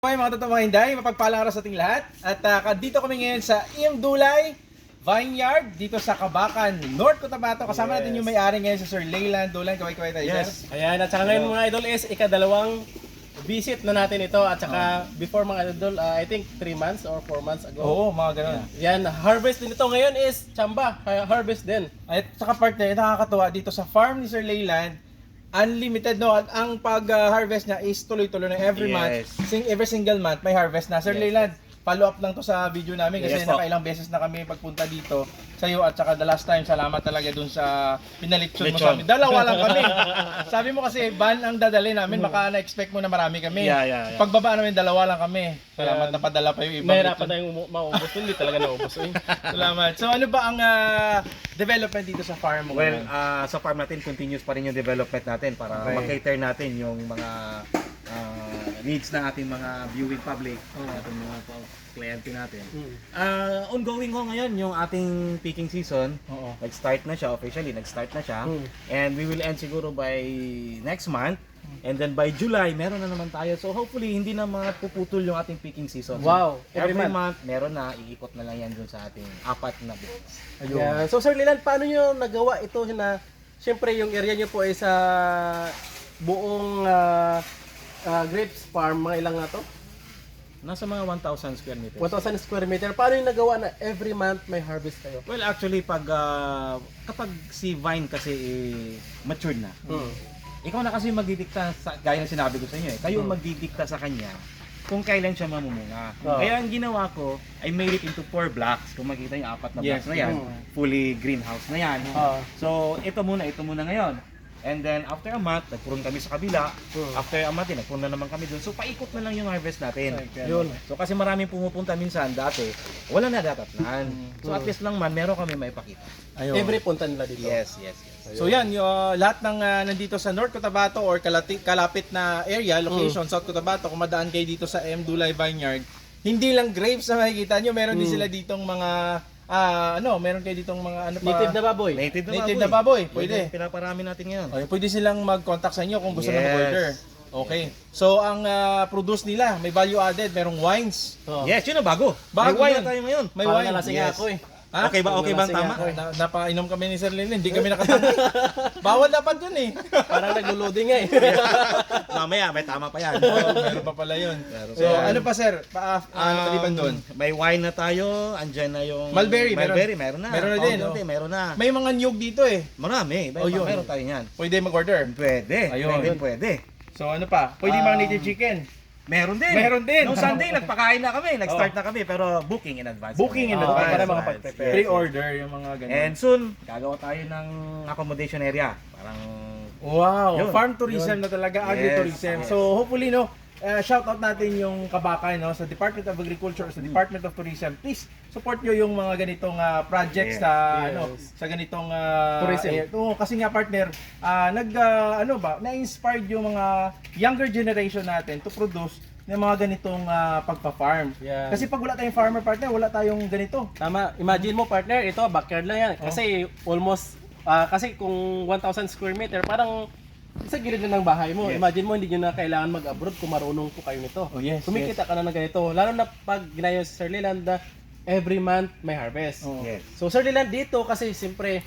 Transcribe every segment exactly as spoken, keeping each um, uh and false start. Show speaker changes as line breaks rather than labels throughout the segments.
Okay mga totoong mga hinday, mapagpalang araw sa ating lahat. At uh, dito kami ngayon sa Imdulay Vineyard dito sa Kabakan, North Cotabato. Kasama yes. natin yung may-ari ngayon sa Sir Leyland Dulan. Kaway-kaway tayo.
Yes. Sir. Ayan, at saka ngayon mga idol is ikadalawang visit na natin ito. At saka oh. before mga idol, uh, I think three months or four months ago.
Oo, mga ganun.
Yan, harvest din ito ngayon is Chamba. Harvest din.
At saka partner, nakakatuwa dito sa farm ni Sir Leyland. Unlimited, no? At ang pag-harvest niya is tuloy-tuloy na every yes. month. Sing, every single month may harvest na. Sir yes. Leyland, follow up lang to sa video namin kasi yes, nakailang beses na kami pagpunta dito sa iyo at saka the last time, salamat talaga dun sa pinalitsyon mo sa amin. Dalawa lang kami. Sabi mo kasi van ang dadali namin, baka na-expect mo na marami kami.
Yeah, yeah, yeah.
Pagbaba namin, dalawa lang kami. Salamat yeah. na padala pa yung ibang.
Mahirapan tayong maubos, hindi talaga naubos. Eh.
Salamat. So ano ba ang uh, development dito sa farm mo?
Well, uh, sa farm natin, continuous pa rin yung development natin para okay. makater natin yung mga uh, needs ng ating mga viewing public, oh. ating mga kliyente natin. Hmm. Uh, ongoing ho ngayon yung ating picking season. Oo. Nag-start na siya officially, nag-start na siya. Hmm. And we will end siguro by next month. And then by July, meron na naman tayo. So hopefully, hindi na mga puputol yung ating picking season.
Wow!
So, every, every month, meron na, iikot na lang yan dun sa ating apat na business.
Ayun. Yeah. So Sir Leyland, paano nyo nagawa ito na, siyempre yung area nyo po ay sa buong uh, uh, grapes farm, mga ilang nga to?
Nasa mga one thousand square meters.
one thousand square meter. Paano yung nagawa na every month may harvest kayo?
Well, actually, pag uh, kapag si vine kasi eh, matured na, hmm. ikaw na kasi magdidikta, sa, gaya ng sinabi ko sa inyo eh, kayo hmm. magdidikta sa kanya kung kailan siya mamumunga. Oh. Kaya ang ginawa ko, I made it into four blocks. Kung makita yung apat na
yes.
blocks na yan, hmm. fully greenhouse na yan. Oh. So, ito muna, ito muna ngayon. And then, after a month, nagpuron kami sa kabila. Hmm. After a month, nagpuron na naman kami doon. So, paikot na lang yung harvest natin. Okay. Yun. So, kasi maraming pumupunta minsan dati, wala na datatnan. Hmm. So, at least lang man, meron kami maipakita.
Ayun. Every punta nila dito.
Yes, yes, yes.
So yan, yung, uh, lahat ng uh, nandito sa North Cotabato or kalati, kalapit na area, location, mm. South Cotabato, kung madaan kayo dito sa Imdulay Vineyard, hindi lang grapes na makikita nyo, meron mm. din sila ditong mga, uh, ano, meron kayo ditong mga, ano pa?
Native na baboy.
Native na
Native
baboy.
na baboy, pwede.
Pwede. Pinaparami natin ngayon.
Okay, pwede silang mag-contact sa inyo kung gusto
yes.
na mag-order. Okay. So, ang uh, produce nila, may value added, merong wines.
Oh. Yes, yun ang bago.
Bago
may wine
yun.
na tayo ngayon.
May
Parang
wine.
nalasing
yes.
ako eh.
Ha?
Okay ba? Okay ba ang tama?
Na, napainom kami ni Sir Leyland, hindi kami nakatama. Bawal dapat yun eh.
Parang naglo-loading nga eh.
Mamaya, may tama pa yan.
Oh, meron pa pala yun. So,
so,
ano pa sir? Pa, uh, um, paliban doon?
May wine na tayo, andyan na yung...
Mulberry,
Mulberry, meron, meron na.
Meron na din.
Oh, meron na.
May mga niyog dito eh.
Marami. May,
oh, yun.
Meron tayo yan.
Pwede mag-order?
Pwede.
Ayun.
Pwede, pwede.
So, ano pa? Pwede um, mga native chicken?
Meron din.
Meron din.
Noong Sunday, nagpakain na kami. Nag-start oh. na kami. Pero booking in advance.
Booking in
oh,
advance.
Para makapag-prepare.
Pre-order yung mga ganun.
And soon, gagawa tayo ng accommodation area. Parang...
Wow.
Yun.
Farm tourism yun. Na talaga.
Yes.
Agri-tourism.
Yes.
So, hopefully, no, uh, shout out natin yung Kabakan, no, sa Department of Agriculture, sa Department of Tourism. Please, support nyo yung mga ganitong uh, projects
yes.
sa
yes.
ano sa ganitong uh,
tourism.
Eh, oh, kasi nga partner, uh, nag uh, ano ba, na-inspired yung mga younger generation natin to produce ng mga ganitong uh, pagpa-farm.
Yeah.
Kasi pag wala tayong farmer partner, wala tayong ganito.
Tama. Imagine mo partner, ito backyard lang yan. Kasi oh. almost uh, kasi kung one thousand square meter, parang sa gilid na ng bahay mo. Yes. Imagine mo, hindi nyo na kailangan mag-abroad kung marunong po kayo nito.
Oh, yes,
kumikita
yes.
ka na ng ganito. Lalo na pag ginaya si Sir Leyland, every month may harvest.
Oh.
Yes.
So Sir Leyland, dito kasi siyempre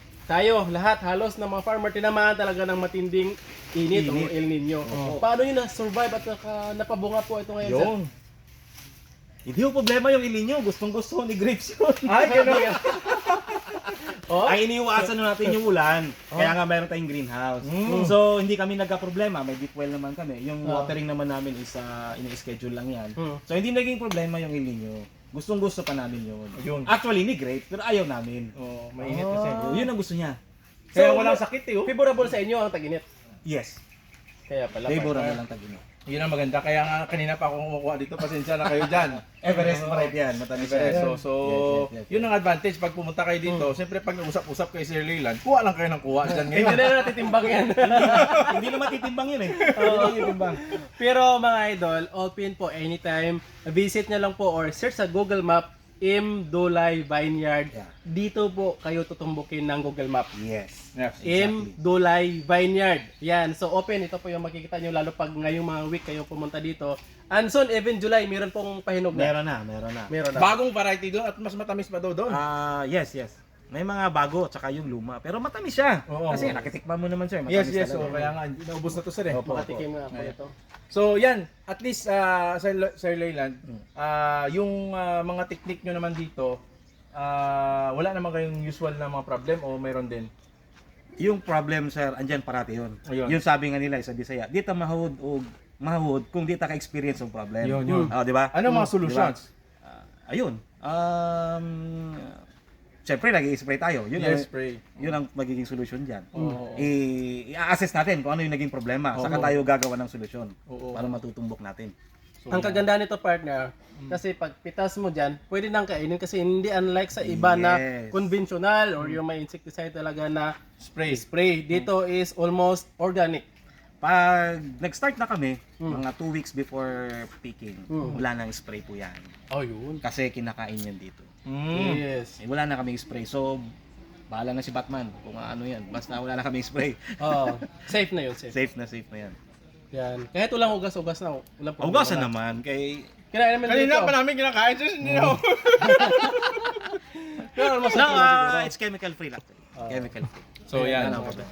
tayo, lahat, halos ng mga farmer, tinamaan talaga ng matinding init, init. o El Nino. Oh. Paano yun na-survive at naka, napabunga po ito ngayon,
yung.
sir?
Hindi yung problema yung El Nino. Gustong gusto ni grapes yun.
Ay, gano'n.
Oh? Ay, iniwasan na natin yung ulan. Oh? Kaya nga meron tayong greenhouse. Mm. So, hindi kami nagka-problema. May deep well naman kami. Yung oh. watering naman namin is uh, ini-schedule lang yan. Mm. So, hindi naging problema yung El Nino. Gustong gusto pa namin yun. Yun. Actually, ni grapes, pero ayaw namin.
Oh, mainit
oh.
kasi.
Yun ang gusto niya.
Kaya
so,
walang sakit eh. Oh.
Favorable sa inyo ang tag-init?
Yes.
Kaya pala.
Favorable lang tag-init.
Yun ang maganda. Kaya nga kanina pa ako kumukuha dito. Pasensya na kayo dyan.
Everest pa rin yan. Matamis
Everest.
yan.
So, so
yes, yes, yes, yes.
yun ang advantage. Pag pumunta kayo dito, hmm. siyempre pag usap-usap kay Sir Leyland, kuha lang kayo ng kuha dyan ngayon.
Hindi na natitimbang yan.
Hindi na matitimbang yun eh. Hindi na matitimbang.
Pero mga idol, open po anytime. Visit nyo lang po or search sa Google Map M. Dulay Vineyard.
Yeah.
Dito po kayo tutumbukin ng Google Map.
Yes.
Yes.
M. Dulay Vineyard. Yan. So open. Ito po yung makikita nyo lalo pag ngayong mga week kayo pumunta dito. And soon, even July, meron pong pahinog na.
Meron na, meron na.
Meron na.
Bagong variety doon at mas matamis pa daw doon.
Ah, yes, yes. May mga bago tsaka yung luma, pero matamis siya.
Oo.
Kasi nakitikman mo naman siya,
Yes,
matamis
yes.
talaga.
So, kaya nga, naubos na to sir eh.
Opo.
Makatikim nga ako
Ayan.
ito.
So, yan. At least, uh, Sir, Sir Leyland,
Mm.
ah, yung ah, mga technique nyo naman dito, ah, wala naman kayong usual na mga problem o mayroon din?
Yung problem, sir, andyan parati yun.
Ayun.
Yung sabi nga nila sa Bisaya, di ta mahud o mahud kung di ta ka-experience ng problem.
Yun, yun.
Oh, di ba?
Ano mga
Mm,
solutions?
diba? Ah, ayun. Um, Siyempre, nag-i-spray tayo. Yun
Yes,
ang,
spray.
yun ang magiging solusyon dyan.
Oo.
I- I-assess natin kung ano yung naging problema. Saka
Oo.
tayo gagawa ng solusyon
Oo.
para matutumbok natin.
So,
Ang kagandahan nito partner, kasi pag pitas mo dyan, pwede nang kainin kasi hindi unlike sa iba na
Yes.
conventional or yung may insecticide talaga na
spray.
spray. Dito is almost organic.
Pag nag-start na kami,
Mm.
mga two weeks before picking,
Mm.
wala nang spray po yan.
Oh, yun.
Kasi kinakain yan dito.
Mm.
Yes.
Eh, wala na kaming spray. So, bahala na si Batman kung ano yan. Basta wala na kaming spray.
Oh, safe na yun, safe.
Safe na safe na yan.
Yan. Kahit walang ugas-ugas na, walang problema.
Ugasan naman kay...
Kinain naman
Kanina
dito.
pa namin kinakain, sus, hindi na.
Pero almost
No,
okay na
ah,
siguro.
it's chemical free lang. Chemical free.
So, yan.
Wala nang problema.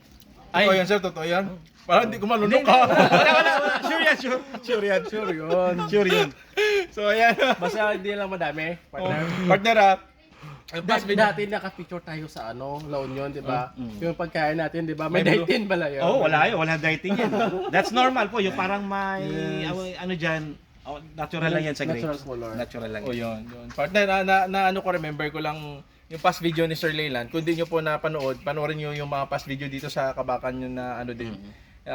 Ay, totoo yan, sir, totoo yan. Parang hindi ko
Hindi,
malunok
hindi.
ka.
Wala, wala, wala. Sure yan, sure. Sure yan.
Sure yun.
Sure yun.
So, ayan.
Basta hindi lang madami, partner.
Partner, ah. Ang
Da-
past video.
dati naka-picture tayo sa ano, La Union, 'di ba?
Mm, mm.
Yung pagkain natin, 'di ba? May
May blue.
dietin pala 'yun.
Oh, wala yun. Wala dieting yan. That's normal po. Yung parang may...
Yes.
Ano, ano dyan, oh, natural lang yan sa grapes.
Natural color.
Natural lang
Oh,
yan.
yun, yun. Partner, na, na, na ano ko, remember ko lang yung past video ni Sir Leyland. Kung di nyo po napanood, panoorin nyo yung mga past video dito sa Kabakan nyo na ano din.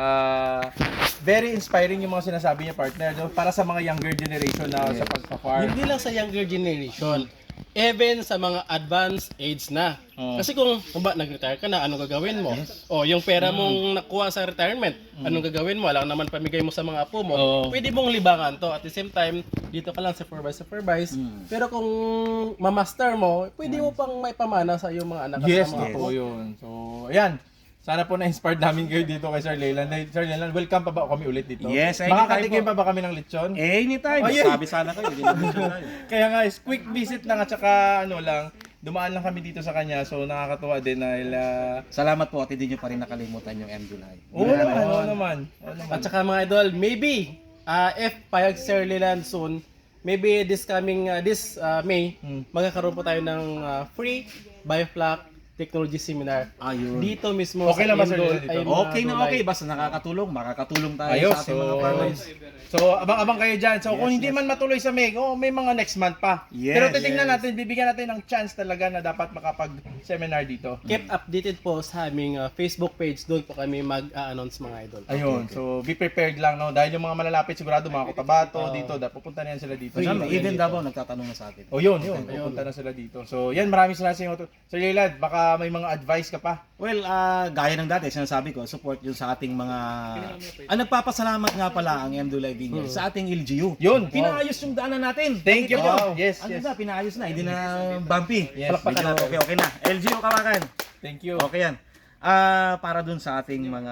Ah, very inspiring yung mga sinasabi niya, partner. No? Para sa mga younger generation na sa pagpa-farm.
Hindi lang sa younger generation, even sa mga advanced age na.
Oh.
Kasi kung, kung ba, nag-retire ka na, anong gagawin mo? O, yung pera mong nakuha sa retirement, anong gagawin mo? Alam naman pamigay mo sa mga apo mo.
Oh.
Pwede mong libangan to. At the same time, dito ka lang supervise, supervise. Pero kung mamaster mo, pwede mo pang may pamana sa iyong mga anak at
Yes,
sa mga
yes.
apo.
totoo yun. So, ayan. Sana po na-inspired namin kayo dito kay Sir Leyland. Eh, Sir Leyland, welcome pa ba kami ulit dito?
Yes, anytime
Makakatikim
po.
pa ba kami ng lechon?
Eh, anytime.
Oh, yeah.
Sabi sana kayo. Ginagawa tayo.
Kaya nga, is quick visit lang at saka ano lang, dumaan lang kami dito sa kanya. So, nakakatuwa din dahil... ah,
Salamat po at hindi nyo pa rin nakalimutan yung M. July.
Oo naman, oo naman. Oo naman.
At saka mga idol, maybe uh, if payag Sir Leland soon, maybe this coming uh, this uh, May,
Hmm.
magkakaroon po tayo ng uh, free Biofloc Technology Seminar.
Ayun.
Dito mismo
Okay lang ba, Sir
Indol-
Leland, dito?
ay, mga
Okay na
Dulay.
okay. Basta nakakatulong. Makakatulong tayo
Ayos.
sa ating
So,
mga farmers.
so abang-abang kayo dyan. So, kung
Yes,
hindi
yes.
man matuloy sa May, oh, may mga next month pa.
Yes,
Pero titingnan
yes.
natin, bibigyan natin ng chance talaga na dapat makapag-seminar dito.
Keep updated po sa aming uh, Facebook page. Doon po kami mag-announce mga idol.
Ayun, so be prepared lang, no? Dahil yung mga malalapit sigurado, mga Cotabato, dito, dapat pupunta na yan sila dito.
Kasama,
So,
even
dito.
Davao nagtatanong na sa atin.
Oh, yun, yun. Pupunta na sila dito. So, yan, maraming salamat sa inyo. Sir Leyland, baka may mga advice ka pa.
Well, ah, gaya ng dati, sinasabi ko, support yun sa ating mga... Ah, nagpapasalamat nga pala ang M. Dulay Vineyard sa ating L G U.
Yun.
Pinaayos yung daanan natin.
Thank you.
Nakita nyo?
Wow. Yes,
Ano
yes.
na, pinaayos na, hindi na bumpy.
Yes,
Palakpakan natin. Okay, okay na. L G U, kawakan.
Thank you.
Okay yan. Ah, para dun sa ating mga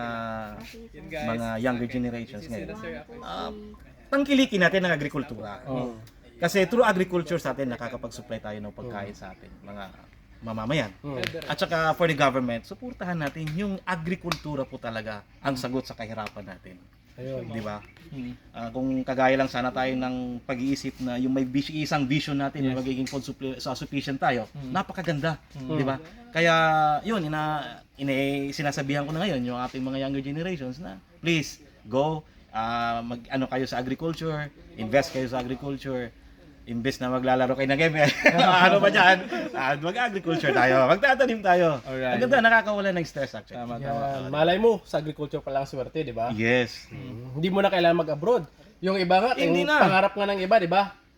mga younger generations ngayon. Ah, tangkilikin natin ang agrikultura.
Oh.
Kasi through agriculture sa atin nakakapag-supply tayo ng pagkain sa atin mga mamamayan. At saka for the government, suportahan natin yung agrikultura po talaga ang sagot sa kahirapan natin.
Ayun.
Di ba?
Hmm.
Ah, kung kagaya lang sana tayo ng pag-iisip na yung may vis- isang vision natin na magiging food supply, sa sufficient tayo, napakaganda, di ba? Kaya yun ina, ina sinasabihan ko na ngayon yung ating mga younger generations na please go ah, mag ano kayo sa agriculture, invest kayo sa agriculture. Imbes na maglalaro kayo ng game, ano ba dyan? Ah, mag-agriculture tayo, magtatanim tayo.
Alright.
Ang ganda, nakakawala ng stress actually.
Tama, tama.
Yan. Malay mo, sa agriculture pa lang swerte, di ba?
Yes.
Hindi mo na kailangan mag-abroad. Yung iba nga,
Hindi
yung
na.
pangarap nga ng iba, di ba?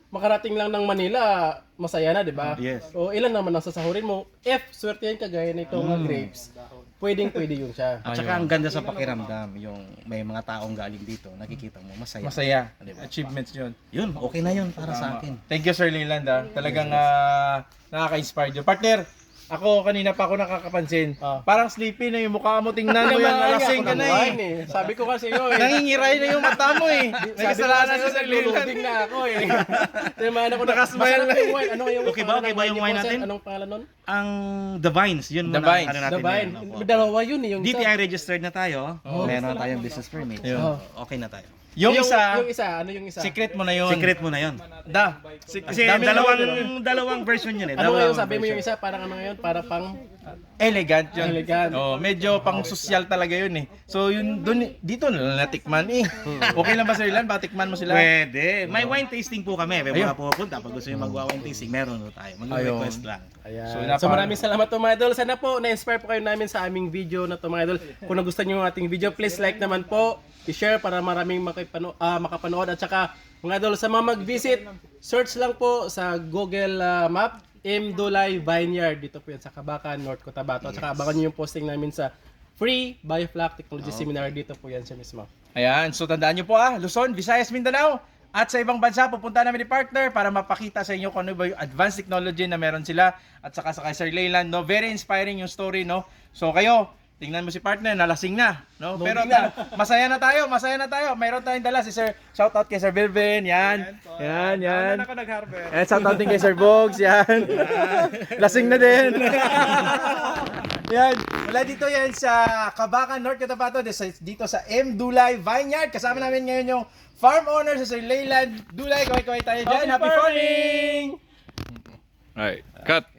makarating lang ng Manila, masaya na, di ba?
Yes.
O ilan naman ang sasahurin mo? If swerte yan kagaya nitong uh, grapes, pwedeng pwede yun siya.
At saka ang ganda sa pakiramdam, yung may mga taong galing dito, nakikita mo, masaya.
Masaya.
Diba?
Achievements yun.
Yun, okay na yun para sa akin.
Thank you, Sir Leland. Ah. Talagang ah, nakaka-inspire yun. Partner, ako kanina pa ako nakakapansin.
Ah.
Parang sleepy na yung mukha mo. Tingnan mo yan, nalasing ka na eh.
eh. Sabi ko kasi yun eh.
Nangingiray na yung mata mo eh. May
Sabi ko
kasalanan
kasi
sa Sir Leland.
nag-loading na ako eh. Timahan ako na.
Nakasmile
Masarap
na
yung wine. Ano yung
Okay ba? Okay ba yung wine
niyo po, sir?
natin?
Anong pangalan nun?
Ang The Vines, yun
The
muna
Vines.
ano natin
The Vine.
ngayon, opo.
Dalawa yun eh. Yung
D T
isa.
I registered na tayo. Meron na tayong business permit. So,
Yun.
okay na tayo.
Yung isa,
Yung isa. Ano yung isa?
secret mo na yun.
Secret mo na yun.
Da.
Kasi
Dami na
dalawang
naman,
dalawang version yun eh.
Ano
Dalawang
ngayon sabi mo yung
version.
isa? Parang ano ngayon? Para pang...
Elegant yun.
Elegant.
Oh, medyo pang social talaga yun eh. So yun dun dito na lang natikman eh. Okay lang ba Sir Leland? Batikman mo sila?
Pwede. May wine tasting po kami. May
Ayun.
mga pupunta. Pag gusto nyo mag-wine tasting, meron po tayo. Mag-request lang.
Ayan.
So,
So,
napaka-
maraming salamat to mga idol. Sana po na-inspire po kayo namin sa aming video na to mga idol. Kung nagustuhan niyo yung ating video, please like naman po. I-share para maraming makipano, ah, makapanood. At saka mga idol, sa mga mag-visit, search lang po sa Google ah, Map, M. Dulay Vineyard. Dito po yan sa Kabacan, North Cotabato. At saka abangan niyo yung posting namin sa Free Bioflac Technology Seminar. Dito po yan siya mismo.
Ayan, so tandaan nyo po ah, Luzon, Visayas, Mindanao, at sa ibang bansa, pupunta namin ni partner para mapakita sa inyo kung ano ba yung advanced technology na meron sila. At saka sa kay Sir Leyland, no? Very inspiring yung story, no? So kayo, tingnan mo si partner, nalasing na, no? Pero ta- masaya na tayo, masaya na tayo. Mayroon tayong dala si Sir, shout out kay Sir Bilvin, yan. Yan, yan.
ako nag-harvest.
And shout out din kay Sir Bogs, yan. Lasing na din. Yan, wala dito yan sa Kabacan, North Cotabato, dito sa M. Dulay Vineyard. Kasama namin ngayon yung farm owner si Sir Leyland Dulay. Kaway-kaway tayo dyan. Happy farming!
Alright, cut.